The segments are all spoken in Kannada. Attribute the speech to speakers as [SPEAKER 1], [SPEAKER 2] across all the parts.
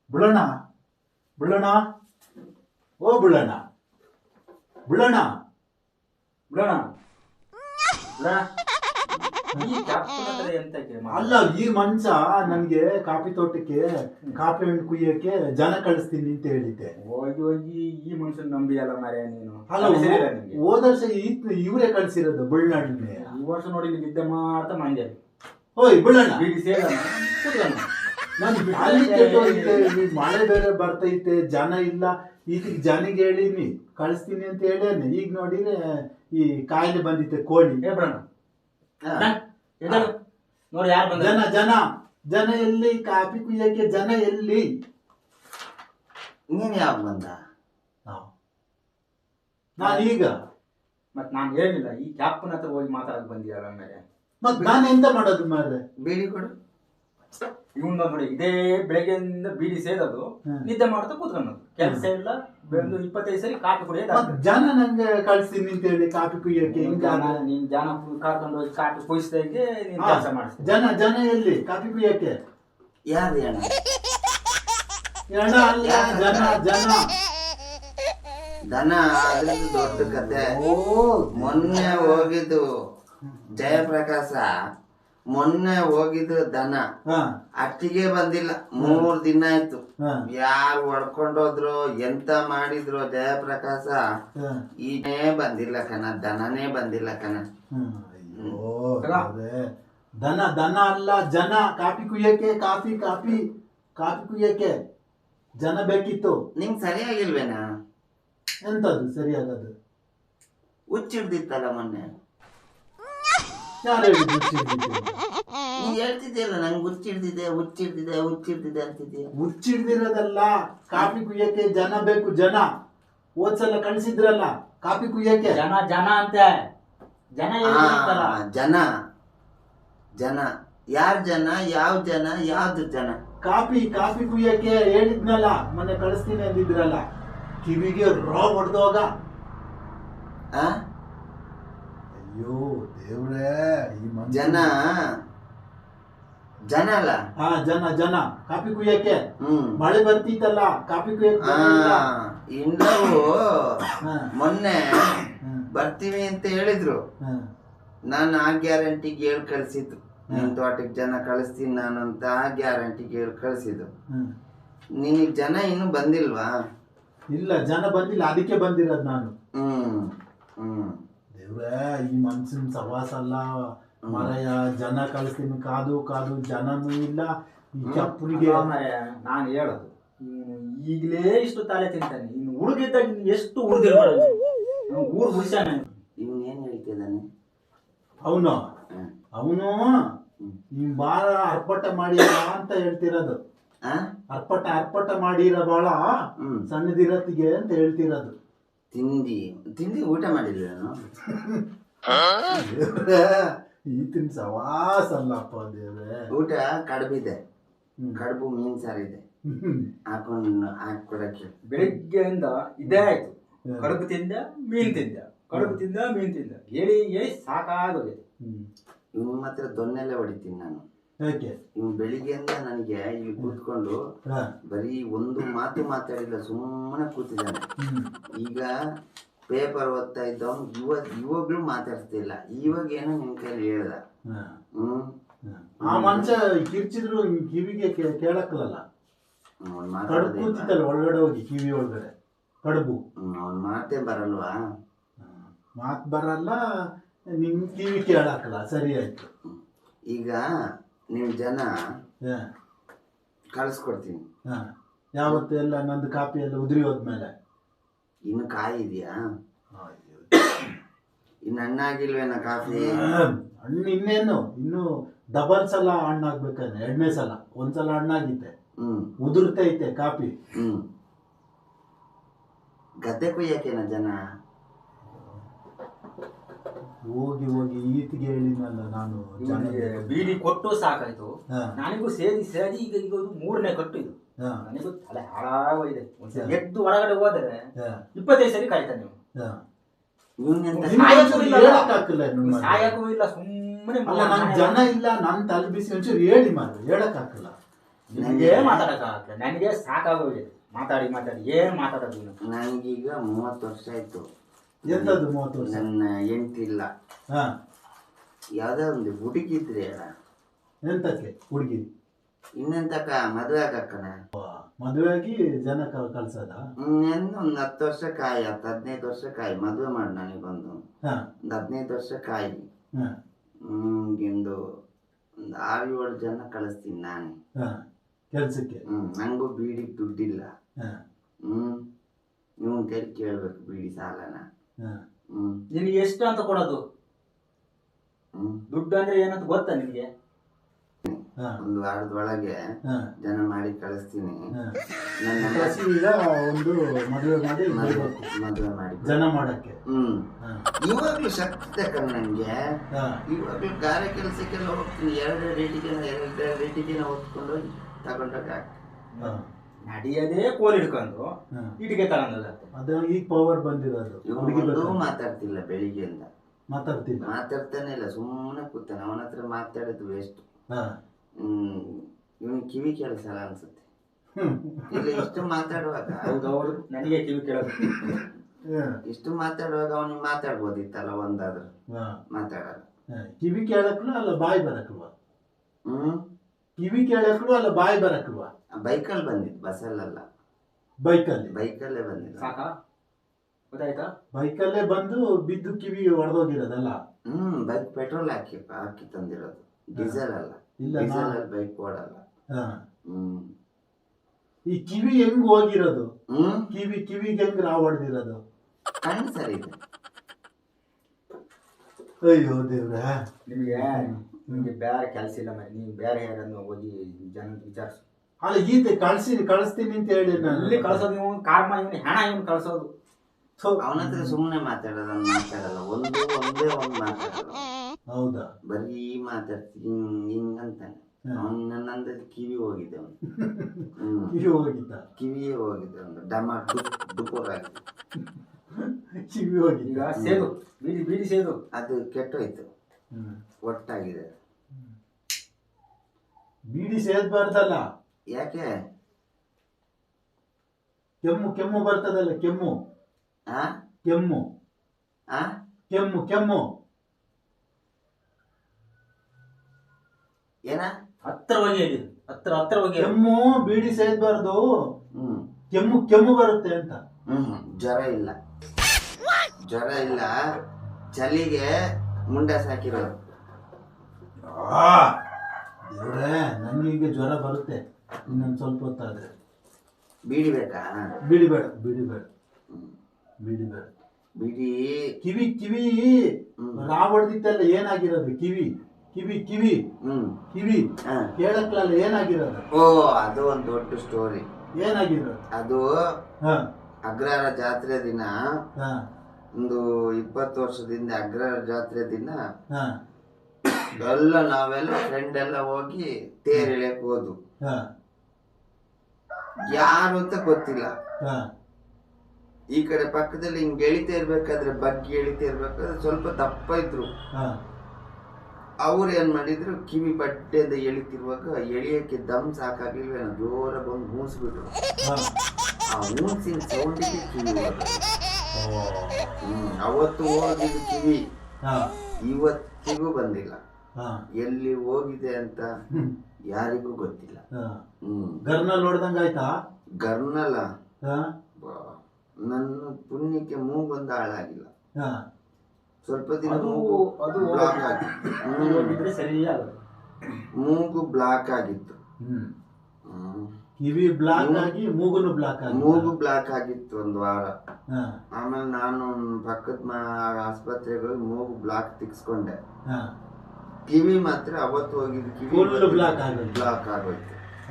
[SPEAKER 1] ಬುಳ್ಳಣ್ಣ ಬುಳ್ಳಣ್ಣ ಓ ಬುಳ್ಳಣ್ಣ ಬುಳ್ಳಣ್ಣ
[SPEAKER 2] ಬಿಡೋಣ ಬಿಡೋಣ. ಈ ಕ್ಯಾಪ್ಟನ್ ಹತ್ರ ಎಂತಕ್ಕೆ
[SPEAKER 1] ಅಲ್ಲ ಈ ಮನುಷ್ಯ ನನ್ಗೆ ಕಾಫಿ ತೋಟಕ್ಕೆ ಕಾಫಿ ಹಣ್ಣು ಕುಯ್ಯಕ್ಕೆ ಜನ ಕಳಿಸ್ತೀನಿ ಅಂತ ಹೇಳಿದ್ದೆ.
[SPEAKER 2] ಹೋಗಿ ಹೋಗಿ ಈ ಮನುಷ್ಯನ್ ನಂಬಿ ಅಲ್ಲ ಮಾರ್ರೆ ನೀನು.
[SPEAKER 1] ಅಲ್ಲ
[SPEAKER 2] ಸರಿಯಿಲ್ಲ ನಿಮ್ಗೆ.
[SPEAKER 1] ಹೋದ ವರ್ಷ ಇವರೇ ಕಳ್ಸಿರೋದು ಬುಳ್ಳಣ್ಣನೇ.
[SPEAKER 2] ಈ ವರ್ಷ ನೋಡಿ ನೀವು ನಿದ್ದೆ ಮಾಡ್ತಾ ಮಂಡ್ಯ
[SPEAKER 1] ಓಯ್ ಬುಳ್ಳಣ್ಣ
[SPEAKER 2] ಬೀಡಿ ಸೇರ ಕೂತ್ಕೊಳ್ಳೋಣ.
[SPEAKER 1] ನಾನು ಅಲ್ಲಿ ಕೆಟ್ಟೋಗಿದ್ದೆ, ಈ ಮಳೆ ಬೇರೆ ಬರ್ತೈತೆ, ಜನ ಇಲ್ಲ. ಈಗ ಜನಿಗೆ ಹೇಳಿನಿ ಕಳಿಸ್ತೀನಿ ಅಂತ ಹೇಳೇನೆ. ಈಗ ನೋಡಿದ್ರೆ ಈ ಕಾಯಿಲೆ ಬಂದಿತ್ತೆ ಕೋಳಿ.
[SPEAKER 2] ಬಿಡೋಣ ನೋಡಿ ಯಾರು ಬಂದ.
[SPEAKER 1] ಜನ ಜನ ಜನ ಎಲ್ಲಿ ಕಾಫಿ ಕುಯ್ಯಕ್ಕೆ ಜನ ಎಲ್ಲಿ?
[SPEAKER 3] ನೀನ್ ಯಾವಾಗ ಬಂದ?
[SPEAKER 1] ನಾನೀಗ
[SPEAKER 2] ಮತ್ ನಾನು ಹೇಳಿಲ್ಲ ಈ ಕ್ಯಾಪ್ಟನ್ ಹತ್ರ ಹೋಗಿ ಮಾತಾಡಕ್ ಬಂದಿದ್ದಾರೆ ಆಮೇಲೆ.
[SPEAKER 1] ಮತ್ ನಾನು ಎಂತ ಮಾಡೋದು ಮಾರ್ರೆ?
[SPEAKER 3] ಬೀಡಿ ಕೊಡು.
[SPEAKER 2] ಇವನ್ ನೋಡಿ ಇದೇ ಬೆಳಗ್ಗೆಯಿಂದ ಬೀಡಿ ಸೇದೋದು, ನಿದ್ದೆ ಮಾಡ್ತಾ ಕೂತ್ಕೊಳ್ಳೋದು, ಕೆಲಸ ಇಲ್ಲ. ಒಂದು 25 ಸರಿ ಕಾಫಿ ಕುಡಿಯೋದು.
[SPEAKER 1] ಜನ ನಂಗೆ ಕಳ್ಸ್ತೀನಿ ಅಂತ ಹೇಳಿ ಕಾಫಿ ಕುಯ್ಯಕ್ಕೆ.
[SPEAKER 2] ನೀನ್ ಜನ ಕರ್ಕೊಂಡು ಹೋಗಿ ಕಾಫಿ ಕುಯಿಸ್ತಾ ಇದ್ದೆ, ನೀನ್ ಕೆಲಸ ಮಾಡಿಸ್ತೀನಿ.
[SPEAKER 1] ಜನ ಜನ ಎಲ್ಲಿ ಕಾಫಿ ಕುಯ್ಯಕ್ಕೆ?
[SPEAKER 3] ಯಾರು ಅಣ್ಣ?
[SPEAKER 1] ಎಣ ಅಲ್ಲ, ಜನ ಜನ
[SPEAKER 3] ದನ ಅದ್ರದ್ದು ದೊಡ್ಡ ಕತೆ.
[SPEAKER 1] ಓ
[SPEAKER 3] ಮೊನ್ನೆ ಹೋಗಿದ್ದು ಜಯಪ್ರಕಾಶ, ಮೊನ್ನೆ ಹೋಗಿದ್ದು ದನ ಅಟ್ಟಿಗೆ ಬಂದಿಲ್ಲ. 3 ದಿನ ಆಯ್ತು. ಯಾರು ಹೊಡ್ಕೊಂಡೋದ್ರು ಎಂತ ಮಾಡಿದ್ರು ಜಯಪ್ರಕಾಶ ಈನೇ ಬಂದಿಲ್ಲ ಕಣ, ದನನೇ ಬಂದಿಲ್ಲ ಕಣ.
[SPEAKER 1] ದನ ದನ ಅಲ್ಲ ಜನ. ಕಾಫಿ ಕುಯ್ಯಕ್ಕೆ ಕಾಫಿ ಕಾಫಿ ಕಾಫಿ ಕುಯ್ಯಕ್ಕೆ ಜನ ಬೇಕಿತ್ತು.
[SPEAKER 3] ನಿಂಗ್ ಸರಿಯಾಗಿಲ್ವೇನಾ?
[SPEAKER 1] ಎಂತದು ಸರಿಯಾಗದು?
[SPEAKER 3] ಹುಚ್ಚಿಡ್ದಿತ್ತಲ್ಲ ಮೊನ್ನೆ.
[SPEAKER 1] ಯಾರು ಹೇಳಿದ್ದು?
[SPEAKER 3] ನೀ ಹೇಳ್ತಿದ್ದೀಯಲ್ಲ ನಂಗೆ ಹುಚ್ಚಿಡ್ದಿದೆ ಹುಚ್ಚಿಡ್ದಿದೆ ಹುಚ್ಚಿಡ್ದಿದೆ ಅಂತಿದ್ದೀಯ.
[SPEAKER 1] ಹುಚ್ಚಿಡ್ದಿರೋದಲ್ಲ, ಕಾಫಿ ಕುಯ್ಯಕ್ಕೆ ಜನ ಬೇಕು. ಜನ ಹೋದ್ಸಲ ಕಳ್ಸಿದ್ರಲ್ಲ ಕಾಫಿ ಕುಯ್ಯಕ್ಕೆ.
[SPEAKER 2] ಜನ ಜನ ಅಂತ ಜನ
[SPEAKER 3] ಜನ ಜನ ಯಾರ್ ಜನ? ಯಾವ ಜನ? ಯಾವ್ದು ಜನ?
[SPEAKER 1] ಕಾಫಿ ಕಾಫಿ ಕುಯ್ಯಕ್ಕೆ ಹೇಳಿದ್ನಲ್ಲ ಮೊನ್ನೆ ಕಳಿಸ್ತೀನಿ ಅಂದಿದ್ರಲ್ಲ. ಕಿವಿಗೆ ರಾ ಹೊಡೆದೋಗ. ಅಯ್ಯೋ ದೇವ್ರೇ, ಈ
[SPEAKER 3] ಜನ ಜನ ಅಲ್ಲ.
[SPEAKER 1] ಹಾ ಜನ ಜನ ಕಾಫಿ ಕುಯ್ಯಕ್ಕೆ. ಮಳೆ ಬರ್ತಿತ್ತಲ್ಲ ಕಾಫಿ ಕುಯ್ಯಕ್ಕೆ.
[SPEAKER 3] ಇಂಡವು ಮೊನ್ನೆ ಬರ್ತೀವಿ ಅಂತ ಹೇಳಿದ್ರು. ನಾನು ಆ ಗ್ಯಾರಂಟಿಗೆ ಹೇಳಿ ಕಳ್ಸಿದ್ದು, ನಿನ್ ತೋಟಕ್ಕೆ ಜನ ಕಳಿಸ್ತೀನಿ ನಾನು ಅಂತ ಆ ಗ್ಯಾರಂಟಿಗೆ ಹೇಳಿ ಕಳ್ಸಿದ್ದು. ನಿನಗ್ ಜನ ಇನ್ನು ಬಂದಿಲ್ವಾ?
[SPEAKER 1] ಇಲ್ಲ ಜನ ಬಂದಿಲ್ಲ, ಅದಕ್ಕೆ ಬಂದಿರೋದು ನಾನು. ದೇವ್ರೇ, ಈ ಮನ್ಸಿನ ಸವಾಸ ಅಲ್ಲ ಮರಯ. ಜನ ಕಳಿಸ್ತೀನಿ ಕಾದು ಕಾದು ಜನನೂ ಇಲ್ಲ. ಈ ಕಪ್ಪುರಿಗೆ
[SPEAKER 2] ನಾನು ಹೇಳೋದು, ಈಗಲೇ ಇಷ್ಟು ತಲೆ ತಿಂತಾನೆ. ಇನ್ನು ಹುಡುಗಿದ್ದಾಗ ಎಷ್ಟು ಉಳಿದಿರ್ಬಾರ್ದು. ಊರು ಹುಡ್ಸಾನೆ.
[SPEAKER 3] ಇವನ್ ಏನ್ ಹೇಳ್ತಿದ್ದಾನೆ
[SPEAKER 1] ಅವನು? ಅವನು ಈ ಬಾಳ ಅರ್ಪಟ ಮಾಡಿರ ಅಂತ ಹೇಳ್ತಿರೋದು. ಅರ್ಪಟ ಅರ್ಪಟ ಮಾಡಿರ ಬಾಳ ಸಣ್ಣದಿರತ್ತಿಗೆ ಅಂತ ಹೇಳ್ತಿರೋದು.
[SPEAKER 3] ತಿಂಡಿ ತಿಂಡಿ ಊಟ ಮಾಡಿಲ್ಲ ನಾನು.
[SPEAKER 1] ಈತಿನ ಸವಾಸ ಅಲ್ಲಪ್ಪ ದೇವ್ರೆ.
[SPEAKER 3] ಊಟ ಕಡುಬಿದೆ, ಕಡುಬು ಮೀನ್ ಸಾರಿದೆ, ಹಾಕೊಂಡು ಹಾಕೊಡಕ್ಕೆ.
[SPEAKER 2] ಬೆಳಿಗ್ಗೆಯಿಂದ ಇದೇ ಆಯ್ತು. ಕಡುಬು ತಿಂದ ಮೀನ್ ತಿಂದ, ಕಡುಬು ತಿಂದ ಮೀನ್ ತಿಂದ, ಹೇಳಿ ಹೇಳಿ ಸಾಕಾಗೋಗಿದೆ.
[SPEAKER 3] ಇವನ್ ಮಾತ್ರ ದೊನ್ನೆಲ್ಲ ಹೊಡಿತೀನಿ ನಾನು.
[SPEAKER 1] ಯಾಕೆ?
[SPEAKER 3] ಇವ್ ಬೆಳಿಗ್ಗೆಯಿಂದ ನನಗೆ ಇಲ್ಲಿ ಕೂತ್ಕೊಂಡು ಬರೀ ಒಂದು ಮಾತು ಮಾತಾಡಿಲ್ಲ, ಸುಮ್ಮನೆ ಕೂತಿದ್ದಾನೆ. ಈಗ ಪೇಪರ್ ಓದ್ತಾ ಇದ್ದವ್ ಇವಾಗ್ಲೂ ಮಾತಾಡ್ತಿಲ್ಲ. ಇವಾಗ ಏನೋ ನಿನ್ ಕೈಲಿ ಹೇಳ್ದ.
[SPEAKER 1] ಆ ಮನುಷ್ಯ ಕಿರ್ಚಿದ್ರು ಕಿವಿಗೆ ಕೇಳಕ್ಕಲ್ಲ. ಕಡುಬು ಕೂತಿತ್ತಲ್ಲ ಒಳಗಡೆ ಹೋಗಿ ಕಿವಿ ಒಳಗಡೆ ಕಡುಬು.
[SPEAKER 3] ಅವ್ನ ಮಾತೇ ಬರಲ್ವಾ?
[SPEAKER 1] ಮಾತು ಬರಲ್ಲ, ನಿನ್ ಕಿವಿ ಕೇಳಕ್ಕಲ್ಲ. ಸರಿ ಆಯ್ತು.
[SPEAKER 3] ಈಗ ನೀವು ಜನ ಕಳಿಸ್ಕೊಡ್ತೀನಿ.
[SPEAKER 1] ಯಾವತ್ತು ಎಲ್ಲ ನಂದು ಕಾಪಿ ಎಲ್ಲ ಉದುರಿ ಹೋದ್ಮೇಲೆ.
[SPEAKER 3] ಇನ್ನು ಕಾಯಿ ಇದೆಯಾ? ಇನ್ನು ಹಣ್ಣಾಗಿಲ್ವೇನ ಕಾಫಿ?
[SPEAKER 1] ಹಣ್ಣು ಇನ್ನೇನು, ಇನ್ನು ಡಬಲ್ ಸಲ ಹಣ್ಣಾಗ್ಬೇಕಾದ್ರೆ. 2ನೇ ಸಲ. ಒಂದ್ಸಲ ಹಣ್ಣಾಗಿತ್ತೆ, ಉದುರ್ತೈತೆ ಕಾಪಿ.
[SPEAKER 3] ಗದ್ದೆ ಕುಯ್ಯಕೇನ ಜನ?
[SPEAKER 1] ಹೋಗಿ ಹೋಗಿ ಈತಿಗೆ ಹೇಳಿದ್ನಲ್ಲ ನಾನು.
[SPEAKER 2] ಬೀಡಿ ಕೊಟ್ಟು ಸಾಕಾಯ್ತು. ನನಗೂ ಸೇದಿ ಸೇದಿ ಈಗ ಈಗ 3ನೇ ಕಟ್ಟು ಇದು. ನನಗೂ ತಲೆ ಹಾಳಾಗೋಗಿದೆ. ಎದ್ದು ಹೊರಗಡೆ ಹೋದರೆ 25 ಸರಿ ಕಾಯ್ತಾನೆ ನೀವು. ಸಾಯಕ್ಕೂ ಇಲ್ಲ, ಸುಮ್ಮನೆ
[SPEAKER 1] ಜನ ಇಲ್ಲ. ನನ್ ತಲೆ ಬಿಸಿ ಒಂಚೂರು ಹೇಳಿ ಮಾರ್ರೆ, ಹೇಳಕ್ ಹಾಕಲ್ಲ.
[SPEAKER 2] ನಿನಗೆ ಮಾತಾಡಕ್ಕಾಗಲ್ಲ, ನನಗೆ ಸಾಕಾಗೋಗಿದೆ ಮಾತಾಡಿ ಮಾತಾಡಿ. ಏನ್ ಮಾತಾಡೋದು ನೀನು?
[SPEAKER 3] ನನಗೀಗ 30 ವರ್ಷ ಆಯ್ತು.
[SPEAKER 1] ಎಂತದ್ದು 30 ವರ್ಷ?
[SPEAKER 3] ನನ್ನ ಹೆಂಡತಿ ಇಲ್ಲ.
[SPEAKER 1] ಹಾ,
[SPEAKER 3] ಯಾವ್ದೋ ಒಂದು ಹುಡುಗಿದ್ರೆ ಅಲ್ಲ,
[SPEAKER 1] ಎಂತಕ್ಕೆ ಹುಡುಗಿ?
[SPEAKER 3] ಇನ್ನೆಂತಕ್ಕ ಮದುವೆ ಆಗಕ್ಕನ.
[SPEAKER 1] ಮದುವೆ ಆಗಿ ಜನ ಕಳ್ಸದ?
[SPEAKER 3] ಇನ್ನೇನು ಒಂದು 10 ವರ್ಷ ಕಾಯಿ, 15 ವರ್ಷ ಕಾಯಿ, ಮದುವೆ ಮಾಡಿ ನನಗೊಂದು
[SPEAKER 1] ಹಾ,
[SPEAKER 3] 15 ವರ್ಷ ಕಾಯಿ.
[SPEAKER 1] ಹಾ,
[SPEAKER 3] ನಿಮ್ಗಿಂದು ಒಂದು 6-7 ಜನ ಕಳಿಸ್ತೀನಿ ನಾನೇ.
[SPEAKER 1] ಹಾ, ಕೆಲ್ಸಕ್ಕೆ?
[SPEAKER 3] ನಂಗೂ ಬೀಡಿಗೆ ದುಡ್ಡಿಲ್ಲ.
[SPEAKER 1] ಹಾ,
[SPEAKER 3] ನೀವು ಕೈ ಕೇಳ್ಬೇಕು ಬೀಡಿ ಸಾಲನ.
[SPEAKER 1] ಹಾ,
[SPEAKER 2] ನಿನಗೆ ಎಷ್ಟು ಅಂತ ಕೊಡೋದು? ದುಡ್ಡು ಅಂದ್ರೆ ಏನಂತ ಗೊತ್ತಾ ನಿನಗೆ?
[SPEAKER 1] ಹಾ,
[SPEAKER 3] ಒಂದು ವಾರದೊಳಗೆ
[SPEAKER 1] ಹಾ,
[SPEAKER 3] ಜನ ಮಾಡಿ ಕಳಿಸ್ತೀನಿ.
[SPEAKER 1] ಹಾ.
[SPEAKER 3] ನನ್ನ
[SPEAKER 1] ಕಳ್ಸಿ ಈಗ ಒಂದು ಮದುವೆ ಮಾಡಿ ಬರ್ಬೇಕು.
[SPEAKER 3] ಮದುವೆ ಮಾಡಿ
[SPEAKER 1] ಜನ ಮಾಡಕ್ಕೆ. ಹಾ,
[SPEAKER 3] ಇವಾಗ್ಲೂ ಶಕ್ತಿ ಕಣ್ ನಂಗೆ.
[SPEAKER 1] ಹಾ,
[SPEAKER 3] ಇವಾಗ್ಲೂ ಗಾರೆ ಕೆಲಸಕ್ಕೆಲ್ಲ ಹೋಗ್ತೀನಿ. 2 ರೇಟಿಗೆ ಓದ್ಕೊಂಡು ಹೋಗಿ ತಗೊಂಡಾಗ
[SPEAKER 1] ಹಾ,
[SPEAKER 2] ನಡಿಯದೇ ಕೋಲ್ ಹಿಡ್ಕೊಂಡು
[SPEAKER 1] ಹಾ.
[SPEAKER 2] ಇಟಿಗೆ ತಗೊಂಡದ.
[SPEAKER 1] ಅದು ಈಗ ಪವರ್ ಬಂದಿರೋದು. ಹುಡುಗಿ
[SPEAKER 3] ಇವನು
[SPEAKER 1] ಬೇಕು.
[SPEAKER 3] ಮಾತಾಡ್ತಿಲ್ಲ ಬೆಳಿಗ್ಗೆಯಿಂದ.
[SPEAKER 1] ಮಾತಾಡ್ತಿಲ್ಲ.
[SPEAKER 3] ಮಾತಾಡ್ತಾನೆ ಇಲ್ಲ, ಸುಮ್ಮನೆ ಕೂತಾನೆ. ಅವನ ಹತ್ರ ಮಾತಾಡೋದು ವೇಸ್ಟ್.
[SPEAKER 1] ಹಾ,
[SPEAKER 3] ಇವನ್ ಕಿವಿ ಕೇಳಿಸಲ್ಲ ಅನ್ಸುತ್ತೆ. ಇಲ್ಲ ಇಷ್ಟು ಮಾತಾಡುವಾಗ
[SPEAKER 2] ಹೌದೌದು, ನನಗೆ ಕಿವಿ ಕೇಳೋದು.
[SPEAKER 3] ಇಷ್ಟು ಮಾತಾಡುವಾಗ ಅವನಿಗೆ ಮಾತಾಡ್ಬೋದಿತ್ತಲ್ಲ ಒಂದಾದ್ರು.
[SPEAKER 1] ಹಾ.
[SPEAKER 3] ಮಾತಾಡಲ್ಲ.
[SPEAKER 1] ಹಾ, ಕಿವಿ ಕೇಳಕ್ಲು ಅಲ್ಲ ಬಾಯಿ ಬರಕ್ಲ್ವಾ? ಕಿವಿ ಕೇಳಕ್ಲು ಅಲ್ಲ ಬಾಯಿ ಬರಕ್ಲ್ವಾ?
[SPEAKER 3] ಬೈಕಲ್ಲಿ ಬಂದಿದ್ದು, ಬಸ್ಸಲ್ಲ.
[SPEAKER 1] ಬೈಕಲ್ಲಿ?
[SPEAKER 3] ಬೈಕಲ್ಲೇ ಬಂದಿದ್ದು.
[SPEAKER 2] ಸಾಕಾ? ಗೊತ್ತಾಯ್ತಾ?
[SPEAKER 1] ಬೈಕಲ್ಲೇ ಬಂದು ಬಿದ್ದು ಕಿವಿ ಹೊಡೆದೋಗಿರೋದಲ್ಲ?
[SPEAKER 3] ಬೈಕ್ ಪೆಟ್ರೋಲ್ ಹಾಕಿ ತಂದಿರೋದು, ಡೀಸೆಲ್ ಅಲ್ಲ.
[SPEAKER 1] ಇಲ್ಲ,
[SPEAKER 3] ಡೀಸೆಲ್ ಅಲ್ಲಿ ಬೈಕ್ ಓಡಲ್ಲ.
[SPEAKER 1] ಹಾ. ಈ ಕಿವಿ ಹೆಂಗ್ ಹೋಗಿರೋದು? ಕಿವಿಗೆ ಹೆಂಗ್ ರಾವ್ ಹೊಡೆದಿರೋದು?
[SPEAKER 3] ಕಣ್ಣು ಸರಿ ಇದೆ.
[SPEAKER 1] ಅಯ್ಯೋ ದೇವ್ರ.
[SPEAKER 2] ನಿಮ್ಗೆ ಬೇರೆ ಕೆಲಸ ಇಲ್ಲ ಮರಿ, ನೀವು ಬೇರೆ ಯಾರನ್ನು ಹೋಗಿ ಜನ ವಿಚಾರಿಸು.
[SPEAKER 1] ಅಲ್ಲ ಈತ ಕಳಿಸ್ತೀನಿ ಅಂತ ಹೇಳಿ ನಾನು.
[SPEAKER 2] ಇಲ್ಲಿ ಕಳ್ಸೋದು ನೀವು ಕಾರ್ಮ, ಇವನು ಹೆಣ, ಇವನು ಕಳ್ಸೋದು.
[SPEAKER 3] ಅವನ ಹತ್ರ ಸುಮ್ಮನೆ ಮಾತಾಡೋದು, ಮಾತಾಡಲ್ಲ. ಒಂದೇ ಒಂದು ಮಾತಾಡಲ್ಲ.
[SPEAKER 1] ಹೌದಾ?
[SPEAKER 3] ಬರೀ ಮಾತಾಡ್ತೀನಿ ಹಿಂಗಂತಾನೆ. ನನ್ನಂದ ಕಿವಿ ಹೋಗಿದೆ ಅವನು.
[SPEAKER 1] ಕಿವಿ ಹೋಗಿದ್ದ?
[SPEAKER 3] ಕಿವಿಯೇ ಹೋಗಿದೆ ಒಂದು ಡಮ ಡುಪೋರ್ ಆಗಿದೆ.
[SPEAKER 1] ಕಿವಿ ಹೋಗಿದ್ದ.
[SPEAKER 2] ಈಗ ಸೇದು ಬೀಡಿ ಸೇದು
[SPEAKER 3] ಅದು ಕೆಟ್ಟೋಯ್ತು, ಒಟ್ಟಾಗಿದೆ.
[SPEAKER 1] ಬೀಡಿ ಸೇದ್ಬಾರ್ದಲ್ಲ.
[SPEAKER 3] ಯಾಕೆ?
[SPEAKER 1] ಕೆಮ್ಮು ಬರ್ತದಲ್ಲ, ಕೆಮ್ಮು. ಕೆಮ್ಮು
[SPEAKER 3] ಏನ?
[SPEAKER 2] ಹತ್ತಿರವಾಗಿ ಹೇಳಿ, ಹತ್ತಿರವಾಗಿ.
[SPEAKER 1] ಕೆಮ್ಮು ಬೀಡಿ ಸೇದ್ಬಾರ್ದು. ಕೆಮ್ಮು ಬರುತ್ತೆ ಅಂತ.
[SPEAKER 3] ಜ್ವರ ಇಲ್ಲ, ಚಳಿಗೆ ಮುಂಡ ಸಾಕಿರೋದು.
[SPEAKER 1] ದೇವ್ರೇ, ನಂಗೆ ಈಗ ಜ್ವರ ಬರುತ್ತೆ ಇನ್ನೊಂದು ಸ್ವಲ್ಪ ಹೊತ್ತಾದ್ರೆ.
[SPEAKER 3] ಬೀಡಿ ಬೇಕಾ?
[SPEAKER 1] ಬೀಡಿ ಬೇಡ.
[SPEAKER 3] ಬಿಡಿ.
[SPEAKER 1] ಕಿವಿ ರಾವ್ ಹೊಡೆದಿತ್ತಲ್ಲ, ಏನಾಗಿರೋದು? ಕಿವಿ ಕೇಳಕ್ಲಲ್ಲ, ಏನಾಗಿರೋದು?
[SPEAKER 3] ಓ, ಅದು ಒಂದು ದೊಡ್ಡ ಸ್ಟೋರಿ.
[SPEAKER 1] ಏನಾಗಿರೋದು
[SPEAKER 3] ಅದು? ಅಗ್ರಹಾರ ಜಾತ್ರೆ ದಿನ, ಒಂದು 20 ವರ್ಷದಿಂದ ಅಗ್ರಹಾರ ಜಾತ್ರೆ ದಿನ ನಾವೆಲ್ಲ ಫ್ರೆಂಡ್ ಎಲ್ಲ ಹೋಗಿ ತೇರ್ ಎಳೆಯಕ್ ಹೋದ್ವು. ಯಾರು ಅಂತ ಗೊತ್ತಿಲ್ಲ. ಈ ಕಡೆ ಪಕ್ಕದಲ್ಲಿ ಹಿಂಗ್ ಎಳಿತಾ ಇರ್ಬೇಕಾದ್ರೆ, ಬಗ್ಗಿ ಎಳಿತಾ ಇರ್ಬೇಕಾದ್ರೆ ಸ್ವಲ್ಪ ದಪ್ಪ ಇದ್ರು. ಅವ್ರು ಏನ್ ಮಾಡಿದ್ರು, ಕಿವಿ ಬಡ್ಡೆಯಿಂದ ಎಳಿತಿರುವಾಗ ಎಳಿಯಕ್ಕೆ ದಮ್ ಸಾಕಾಗ್ಲಿಲ್ವೇನೋ, ಜೋರ ಬಂದು ಮೂಸ್ಬಿಟ್ರು. ಆ ಮೂಸಿನ ಸೌಂಡಿಗೆ ಕಿವಿ ಅವತ್ತು ಹೋಗಿದ್ದು ಕಿವಿ ಇವತ್ತಿಗೂ ಬಂದಿಲ್ಲ. ಎಲ್ಲಿ ಹೋಗಿದೆ ಅಂತ ಯಾರಿಗೂ ಗೊತ್ತಿಲ್ಲ.
[SPEAKER 1] ಗರ್ನಲ್ ಹೊಡೆದಂಗ ಆಯ್ತಾ?
[SPEAKER 3] ಗರ್ನಲ್ಲ, ನನ್ನ ಪುಣ್ಯಕ್ಕೆ ಮೂಗೊಂದು ಹಾಳಾಗಿಲ್ಲ. ಸ್ವಲ್ಪ ದಿನ ಬ್ಲಾಕ್ ಆಗಿತ್ತು. ಮೂಗು ಬ್ಲಾಕ್ ಆಗಿತ್ತು.
[SPEAKER 1] ಕಿವಿ ಬ್ಲಾಕ್ ಆಗಿ ಮೂಗು
[SPEAKER 3] ಬ್ಲಾಕ್ ಆಗಿತ್ತು ಒಂದು ವಾರ. ಆಮೇಲೆ ನಾನು ಪಕ್ಕದ ಆಸ್ಪತ್ರೆಗೆ ಹೋಗಿ ಮೂಗು ಬ್ಲಾಕ್ ತಿಕ್ಸ್ಕೊಂಡೆ. ಕಿವಿ ಮಾತ್ರ ಅವತ್ತು ಹೋಗಿದ್ದು ಕಿವಿ ಬ್ಲಾಕ್ ಆಗೋಯ್ತು.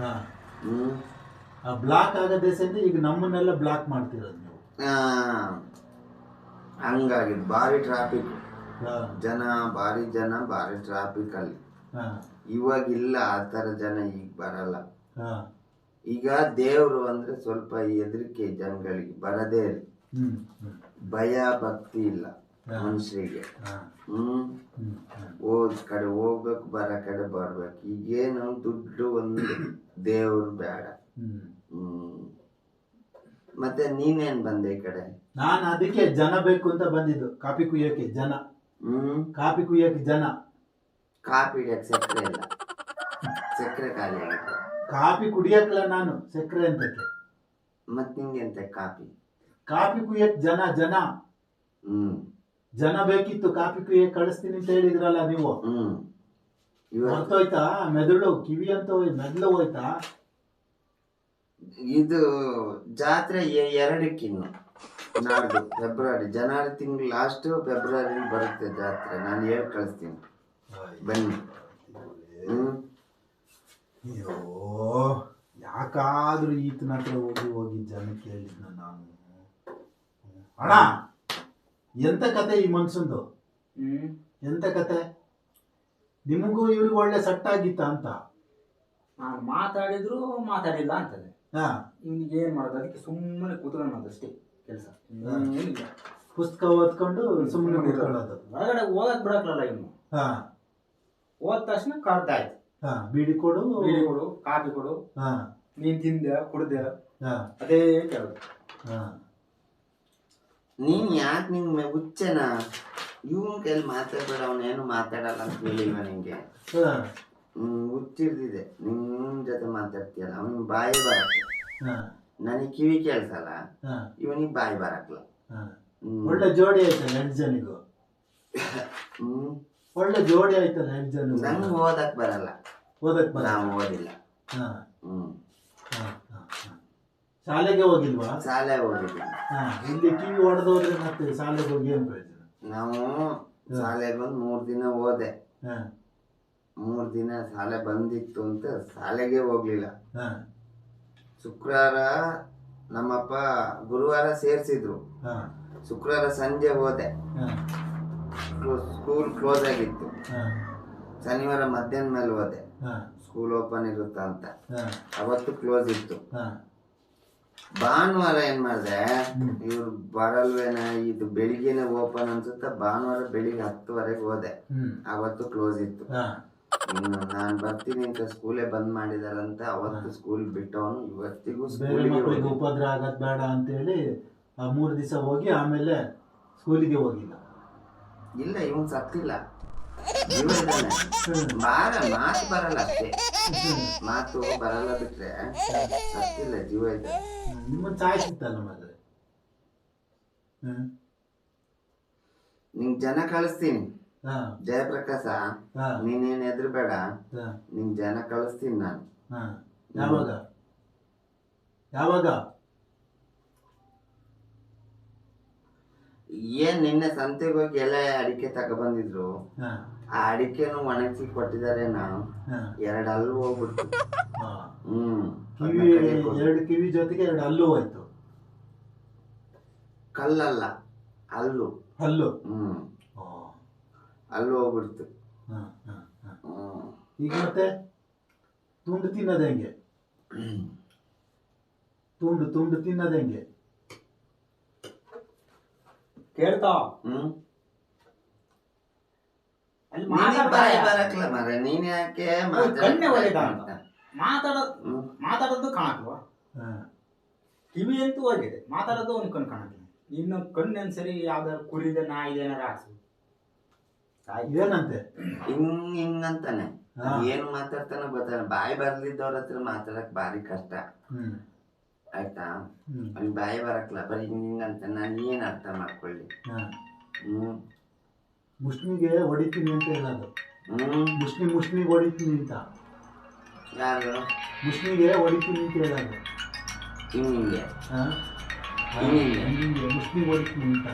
[SPEAKER 1] ಬ್ಲಾಕ್ ಆಗದೆ ಈಗ ನಮ್ಮನ್ನೆಲ್ಲ ಬ್ಲಾಕ್ ಮಾಡ್ತಿರೋದು ನೀವು.
[SPEAKER 3] ಹಂಗಾಗಿದ್ದು ಭಾರಿ ಟ್ರಾಫಿಕ್, ಭಾರಿ ಟ್ರಾಫಿಕ್ ಅಲ್ಲಿ. ಇವಾಗಿಲ್ಲ ಆ ತರ ಜನ, ಈಗ ಬರಲ್ಲ. ಈಗ ದೇವ್ರು ಅಂದ್ರೆ ಸ್ವಲ್ಪ ಹೆದರಿಕೆ ಜನಗಳಿಗೆ, ಬರದೇ ಇಲ್ಲ. ಭಯ ಭಕ್ತಿ ಇಲ್ಲ ಮನುಷ್ಯರಿಗೆ. ಕಡೆ ಹೋಗ್ಬೇಕು, ಬರ ಕಡೆ ಬರ್ಬೇಕು. ಈಗೇನು ದುಡ್ಡು ಒಂದು ದೇವ್ರು ಬೇಡ. ಮತ್ತೆ ನೀನೇನ್ ಬಂದೆ ಈ ಕಡೆ?
[SPEAKER 1] ನಾನು ಅದಕ್ಕೆ ಜನ ಬೇಕು ಅಂತ ಬಂದಿದ್ದು, ಕಾಫಿ ಕುಯ್ಯಕ್ಕೆ ಜನ. ಕಾಫಿ ಕುಯ್ಯಕ್ಕೆ ಜನ.
[SPEAKER 3] ಕಾಫಿ ಹಿಡಿಯಕ್ಕೆ ಸಕ್ಕರೆ ಇಲ್ಲ, ಸಕ್ಕರೆ ಖಾಲಿ ಆಗುತ್ತೆ.
[SPEAKER 1] ಕಾಫಿ ಕುಡಿಯಕ್ಕಲ್ಲ ನಾನು, ಸಕ್ಕರೆ ಅಂತಕ್ಕೆ.
[SPEAKER 3] ಮತ್ ನಿಂಗೆ ಎಂತ ಕಾಫಿ?
[SPEAKER 1] ಕಾಫಿ ಕುಯ್ಯಕ್ ಜನ ಜನ. ಜನ ಬೇಕಿತ್ತು, ಕಾಫಿ ಕುಯ್ಯಕ್ ಕಳಿಸ್ತೀನಿ ಅಂತ ಹೇಳಿದ್ರಲ್ಲ ನೀವು. ಮರ್ತೋಯ್ತಾ? ಮೆದುಳು ಕಿವಿ ಅಂತ ಮೆದುಳು ಹೋಯ್ತಾ?
[SPEAKER 3] ಇದು ಜಾತ್ರೆ 2ಕ್ಕಿನ್ನು, ನಾಡ್ದು ಫೆಬ್ರವರಿ, ಜನವರಿ ತಿಂಗಳು ಲಾಸ್ಟ್, ಫೆಬ್ರವರಿ ಬರುತ್ತೆ ಜಾತ್ರೆ. ನಾನು ಹೇಳಿ ಕಳಿಸ್ತೀನಿ, ಬನ್ನಿ.
[SPEAKER 1] ಅಯ್ಯೋ, ಯಾಕಾದ್ರೂ ಈತನ ಹತ್ರ ಹೋಗಿ ಜನ ಕೇಳಿದ್ನ ನಾನು. ಅಣ್ಣ, ಎಂತ ಕತೆ ಈ ಮನ್ಸಂದು? ಎಂತ ಕತೆ? ನಿಮಗೂ ಇವ್ರಿಗೆ ಒಳ್ಳೆ ಸೆಟ್ ಆಗಿತ್ತ ಅಂತ?
[SPEAKER 2] ನಾನು ಮಾತಾಡಿದ್ರು ಮಾತಾಡಿಲ್ಲ ಅಂತದೆ. ಇವನಿಗೆ ಏನ್ ಮಾಡೋದು, ಅದಕ್ಕೆ ಸುಮ್ಮನೆ ಕೂತ್ಕೊಳ್ಳೋದು ಅಷ್ಟೇ ಕೆಲಸ.
[SPEAKER 1] ಪುಸ್ತಕ ಓದ್ಕೊಂಡು ಸುಮ್ಮನೆ ಕೂತ್ಕೊಳ್ಳೋದು.
[SPEAKER 2] ಹೊರಗಡೆ ಹೋಗಕ್ ಬಿಡಕ್ಲಲ್ಲ ಇವನು. ಹೋದ ತಕ್ಷಣ ಕರ್ದಾಯ್ತು,
[SPEAKER 1] ಬೀಡಿ ಕೊಡು,
[SPEAKER 2] ಬೀಡಿ ಕೊಡು, ಕಾಫಿ ಕೊಡು, ನೀನ್ ತಿಂದೆ ಕುಡ್ದೆ, ಅದೇ ಕೇಳೋದು.
[SPEAKER 3] ನೀನ್ ಯಾಕೆ ನಿಂಗೆ ಹುಚ್ಚನ? ಇವನ್ ಕೈಲಿ ಮಾತಾಡ್ಬೇಡ, ಅವನೇನು ಮಾತಾಡಲ್ಲ ಅಂತ ಹೇಳಿಲ್ವ ನಿಂಗೆ? ಹುಚ್ಚಿರ್ದಿದೆ, ನಿನ್ ಜೊತೆ ಮಾತಾಡ್ತೀಯಲ್ಲ, ಅವನಿಗೆ ಬಾಯಿ ಬರಕ್ಕೆ. ನನಗೆ ಕಿವಿ ಕೇಳ್ಸಲ್ಲ, ಇವನಿಗೆ ಬಾಯಿ ಬರಕ್ಲ.
[SPEAKER 1] ಒಳ್ಳೆ ಜೋಡಿ ಆಯ್ತಲ್ಲ 2 ಜನಿಗೂ. ಒಳ್ಳೆ ಜೋಡಿ ಆಯ್ತಲ್ಲ 2 ಜನ.
[SPEAKER 3] ನಂಗೆ ಓದಕ್ ಬರಲ್ಲ.
[SPEAKER 1] ಓದಕ್ ಬರಲ್ಲ?
[SPEAKER 3] ನಾವು ಓದಿಲ್ಲ.
[SPEAKER 1] ಶಾಲೆಗೆ ಹೋಗಿಲ್ವಾ?
[SPEAKER 3] ಶಾಲೆ ಹೋಗಿಲ್ಲ.
[SPEAKER 1] ಇಲ್ಲಿ ಕಿವಿ ಹೊಡೆದೋದ್ರೆ ಮತ್ತೆ ಶಾಲೆಗೆ ಹೋಗಿ ಏನ್ ಪ್ರಯೋಜನ?
[SPEAKER 3] ನಾವು ಶಾಲೆಗೆ ಬಂದು 3 ದಿನ ಹೋದೆ. 3 ದಿನ ಶಾಲೆ ಬಂದಿತ್ತು ಅಂತ ಶಾಲೆಗೆ ಹೋಗ್ಲಿಲ್ಲ. ಶುಕ್ರವಾರ ನಮ್ಮಪ್ಪ ಗುರುವಾರ ಸೇರ್ಸಿದ್ರು. ಶುಕ್ರವಾರ ಸಂಜೆ ಹೋದೆ, ಸ್ಕೂಲ್ ಕ್ಲೋಸ್ ಆಗಿತ್ತು. ಶನಿವಾರ ಮಧ್ಯಾಹ್ನ ಮೇಲೆ ಹೋದೆ, ಸ್ಕೂಲ್ ಓಪನ್ ಇರುತ್ತ ಅಂತ. ಅವತ್ತು ಕ್ಲೋಸ್ ಇತ್ತು. ಭಾನುವಾರ ಏನ್ ಮಾಡ್ದೆ, ಇವ್ರು ಬರಲ್ವೇನ, ಇದು ಬೆಳಿಗ್ಗೆನೆ ಓಪನ್ ಅನ್ಸುತ್ತ. ಭಾನುವಾರ ಬೆಳಿಗ್ಗೆ 10:00 ಹೋದೆ, ಅವತ್ತು ಕ್ಲೋಸ್ ಇತ್ತು. ನಾನ್ ಬರ್ತೀನಿ ಅಂತ ಸ್ಕೂಲೇ ಬಂದ್ ಮಾಡಿದಾರಂತ ಅವತ್ತು ಸ್ಕೂಲ್ ಬಿಟ್ಟವನು. ಇವತ್ತಿಗೂ
[SPEAKER 1] ಮಕ್ಕಳಿಗೆ ಉಪದ್ರ ಆಗದ್ ಬೇಡ ಅಂತ ಹೇಳಿ 3 ದಿವಸ ಹೋಗಿ ಆಮೇಲೆ ಸ್ಕೂಲಿಗೆ ಹೋಗಿಲ್ಲ.
[SPEAKER 3] ಇಲ್ಲ, ಇವನ್ ಸತ್ತಿಲ್ಲ, ಜೀವ ಇದ್ದಾನೆ. ಮಾತು ಬರಲ್ಲ ಅಷ್ಟೇ, ಮಾತು ಬರಲ್ಲ ಬಿಟ್ರೆ ಸತ್ತಿಲ್ಲ, ಜೀವ ಇದ್ದಾನೆ.
[SPEAKER 1] ನಿಮ್ಮನ್ನ ಸಾಯಿಸಿತ್ತಲ್ಲ ಮಾತ್ರ.
[SPEAKER 3] ನಿಂಗ್ ಜನ ಕಳಿಸ್ತೀನಿ, ಜಯಪ್ರಕಾಶ, ನೀನೇನ್ ಹೆದರ್ಬೇಡ, ನಿಂಗ್ ಜನ ಕಳಿಸ್ತೀನಿ ನಾನು.
[SPEAKER 1] ಯಾವಾಗ ಯಾವಾಗ?
[SPEAKER 3] ಏನ್ ನಿನ್ನೆ ಸಂತೆಗೆ ಹೋಗಿ ಎಲೆ ಅಡಿಕೆ ತಗೊಬಂದಿದ್ರು, ಆ ಅಡಿಕೆನು ಒಣಗಿಸಿ ಕೊಟ್ಟಿದ್ದಾರೆ. ನಾವು 2 ಹಲ್ಲು ಹೋಗ್ಬಿಟ್ಟು.
[SPEAKER 1] ಕಿವಿ 2 ಕಿವಿ ಜೊತೆಗೆ 2 ಹಲ್ಲು ಹೋಯ್ತು.
[SPEAKER 3] ಕಲ್ಲಲ್ಲ, ಹಲ್ಲು.
[SPEAKER 1] ಹಲ್ಲು
[SPEAKER 3] ಹಲ್ಲು ಹೋಗ್ಬಿಡ್ತು.
[SPEAKER 1] ಈಗ ಮತ್ತೆ ತುಂಡು ತಿನ್ನೋದು ಹೆಂಗೆ? ತುಂಡು ತಿನ್ನೋದು ಹೆಂಗೆ
[SPEAKER 2] ಕೇಳ್ತಾ?
[SPEAKER 3] ಬರಕ್ಲ ಮರ, ನೀನ್ ಯಾಕೆ
[SPEAKER 2] ಮಾತಾಡೋದು ಕಾಣಕ್ಲ್ವಾ? ಕಿವಿ ಅಂತೂ ಹೋಗಿದೆ, ಮಾತಾಡೋದು ಅವ್ನ ಕಣ್ ಕಾಣಕ್ಲ. ಇನ್ನು ಕಣ್ಣೇನ್ ಸರಿ, ಯಾವ್ದಾರು ಕುರಿದೆ ನಾಯಿದೆ ಏನಾರ ಹಾಕ್ಸು.
[SPEAKER 1] ಏನಂತೆ
[SPEAKER 3] ಹಿಂಗಂತಾನೆ, ಏನು ಮಾತಾಡ್ತಾನೆ ಗೊತ್ತಾಗ. ಬಾಯಿ ಬರ್ಲಿದ್ದವ್ರ ಹತ್ರ ಮಾತಾಡಕ್ ಬಾರಿ ಕಷ್ಟ, ಆಯ್ತಾ? ಅವ್ನಿಗೆ ಬಾಯಿ ಬರಕ್ಲ, ಬರೀ ಹಿಂಗಂತ. ನಾನು ಏನ್ ಅರ್ಥ ಮಾಡ್ಕೊಳ್ಳಿ?
[SPEAKER 1] ಮುಷ್ಣಿಗೆ ಹೊಡಿತೀನಿ ಅಂತ ಹೇಳೋದು. ಮುಷ್ಣಿಗೆ ಹೊಡಿತೀನಿ ಅಂತ.
[SPEAKER 3] ಯಾರು
[SPEAKER 1] ಮುಷ್ಣಿಗೆ ಹೊಡಿತೀನಿ ಅಂತ ಹೇಳೋದು?
[SPEAKER 3] ಹಿಂಗೆ
[SPEAKER 1] ಮುಷ್ಣಿಗೆ ಹೊಡಿತೀನಿ ಅಂತ.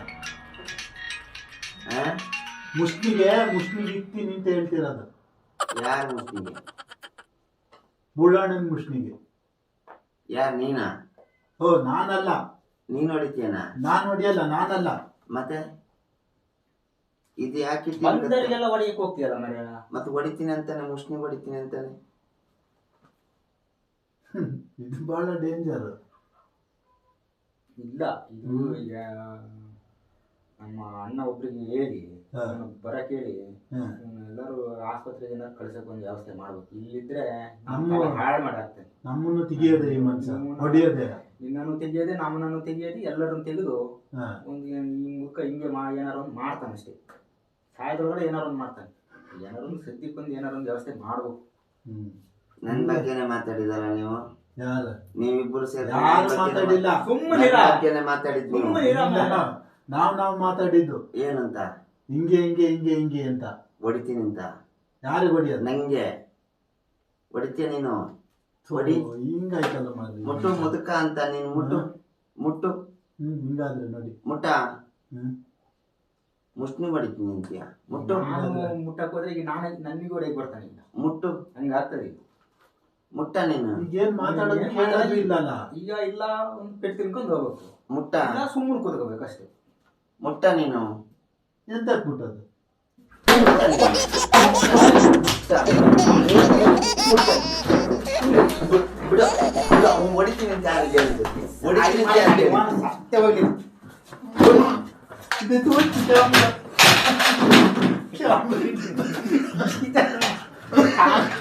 [SPEAKER 1] ಮುಷ್ಣಿಗೆ ಇಕ್ತೀನಿ ಅಂತ ಹೇಳ್ತಿರೋದು.
[SPEAKER 3] ಯಾರು ಮುಷ್ಣಿಗೆ?
[SPEAKER 1] ಬುಳ್ಳಣ್ಣನ ಮುಷ್ಣಿಗೆ.
[SPEAKER 3] ಯಾರು, ನೀನಾ?
[SPEAKER 1] ಓ, ನಾನಲ್ಲ.
[SPEAKER 3] ನೀನ್ ಹೊಡಿತೀಯನ?
[SPEAKER 1] ನಾನ್ ಹೊಡಿಯಲ್ಲ, ನಾನಲ್ಲ.
[SPEAKER 3] ಮತ್ತೆ ಇದು ಯಾಕೆ
[SPEAKER 2] ಬಂದರಿಗೆಲ್ಲ ಹೊಡಿಯಕ್ಕೆ ಹೋಗ್ತೀಯಲ್ಲ ಮರ್ಯ?
[SPEAKER 3] ಮತ್ತೆ ಹೊಡಿತೀನಿ ಅಂತಾನೆ, ಮುಷ್ಣಿ ಹೊಡಿತೀನಿ ಅಂತಾನೆ.
[SPEAKER 1] ಇದು ಬಹಳ ಡೇಂಜರ್.
[SPEAKER 2] ಇಲ್ಲ, ಇದು ಈಗ ನಮ್ಮ ಅಣ್ಣ ಒಬ್ರಿಗೆ ಹೇಳಿ
[SPEAKER 1] ಹಾ.
[SPEAKER 2] ಬರಕ್ಕೆ ಹೇಳಿ
[SPEAKER 1] ಹ್ಮ್.
[SPEAKER 2] ಎಲ್ಲರೂ ಆಸ್ಪತ್ರೆಗೆ ಏನಾದ್ರು ಕಳ್ಸಕ್ ಒಂದು ವ್ಯವಸ್ಥೆ ಮಾಡ್ಬೇಕು. ಇಲ್ಲಿದ್ರೆ
[SPEAKER 1] ನಮ್ಮ-
[SPEAKER 2] ಹಾಳು ಮಾಡಾಕ್ತೇನೆ.
[SPEAKER 1] ನಮ್ಮನ್ನು ತೆಗಿಯೋದೆ ಈ ಮನುಷ್ಯ, ಹೊಡಿಯೋದೆ.
[SPEAKER 2] ನಿನ್ನನ್ನು ತೆಗಿಯೋದೆ, ನಮ್ಮನನ್ನು ತೆಗಿಯೋದು, ಎಲ್ಲರನ್ನು ತೆಗೆದು
[SPEAKER 1] ಹಾ.
[SPEAKER 2] ಒಂದು ಈ ಮುಖ ಹಿಂಗೆ ಏನಾರು ಒಂದು ಮಾಡ್ತಾನೆ ಅಷ್ಟೇ. ಸಾಯದ್ರೊಳಗಡೆ ಏನಾರು ಒಂದು ಮಾಡ್ತಾನೆ. ಏನಾರು ಒಂದು ಸದ್ಯಕ್ಕೊಂದು ಏನಾರು ಒಂದು ವ್ಯವಸ್ಥೆ ಮಾಡ್ಬೇಕು.
[SPEAKER 1] ಹ್ಮ್.
[SPEAKER 3] ನನ್ ಬಗ್ಗೆನೆ ಮಾತಾಡಿದಾರ ನೀವು?
[SPEAKER 1] ಯಾರು
[SPEAKER 3] ನೀವಿಬ್ಬರು ಸೇರಿ
[SPEAKER 1] ಯಾರು ಮಾತಾಡಿಲ್ಲ.
[SPEAKER 3] ಬಗ್ಗೆನೆ ಮಾತಾಡಿದ್ ನೀವು?
[SPEAKER 1] ನಾವು ಮಾತಾಡಿದ್ದು
[SPEAKER 3] ಏನಂತ?
[SPEAKER 1] ಹಿಂಗೆ ಅಂತ.
[SPEAKER 3] ಹೊಡಿತೀನಿ ಅಂತ?
[SPEAKER 1] ಯಾರಿಗೆ ಹೊಡಿಯೋದು?
[SPEAKER 3] ನಂಗೆ ಹೊಡಿತೀಯ ನೀನು? ಹೊಡಿ.
[SPEAKER 1] ಹಿಂಗಾಯ್ತಲ್ಲ ಮಾರ್ರಿ.
[SPEAKER 3] ಮುಟ್ಟು ಮುದುಕ ಅಂತ ನೀನು. ಮುಟ್ಟು ಮುಟ್ಟು.
[SPEAKER 1] ಹಿಂಗಾದ್ರೆ ನೋಡಿ.
[SPEAKER 3] ಮುಟ್ಟ.
[SPEAKER 1] ಹ್ಮ್.
[SPEAKER 3] ಮುಷ್ಣಿ ಹೊಡಿತೀನಿ ಅಂತೀಯ? ಮುಟ್ಟು.
[SPEAKER 2] ನಾನು ಮುಟ್ಟಕ್ ಹೋದ್ರೆ ಈಗ ನನಗೂ ಹೊಡೆಯಕ್ ಬರ್ತಾನೆ. ಈಗ
[SPEAKER 3] ಮುಟ್ಟು.
[SPEAKER 2] ಹಂಗಾಗ್ತದೆ ಈಗ.
[SPEAKER 3] ಮುಟ್ಟ ನೀನು.
[SPEAKER 1] ಈಗೇನ್ ಮಾತಾಡೋದು ಕೇಳೋದು ಇಲ್ಲಲ್ಲ.
[SPEAKER 2] ಈಗ ಇಲ್ಲ ಒಂದು ಪೆಟ್ಟು ತಿನ್ಕೊಂಡು ಹೋಗ್ಬೇಕು.
[SPEAKER 3] ಮುಟ್ಟ.
[SPEAKER 2] ಇಲ್ಲ ಸುಮ್ಮನೆ ಕೂತ್ಕೋಬೇಕು ಅಷ್ಟೇ.
[SPEAKER 3] ಮುಟ್ಟ ನೀನು.
[SPEAKER 1] ಎಂತ ಬಿಟ್ಟದು?
[SPEAKER 3] ಹೊಡಿತೀನಿ ಅಂತ ಯಾರಿಗೆ ಹೇಳಿದ್ದು? ಹೊಡಿತೀನಿ ಅಂತ ಯಾರಿಗೆ ಹೇಳಿದ್ದು?
[SPEAKER 2] ಸತ್ಯವಾಗಿ
[SPEAKER 1] ಇದು ತೋರಿಸಿದ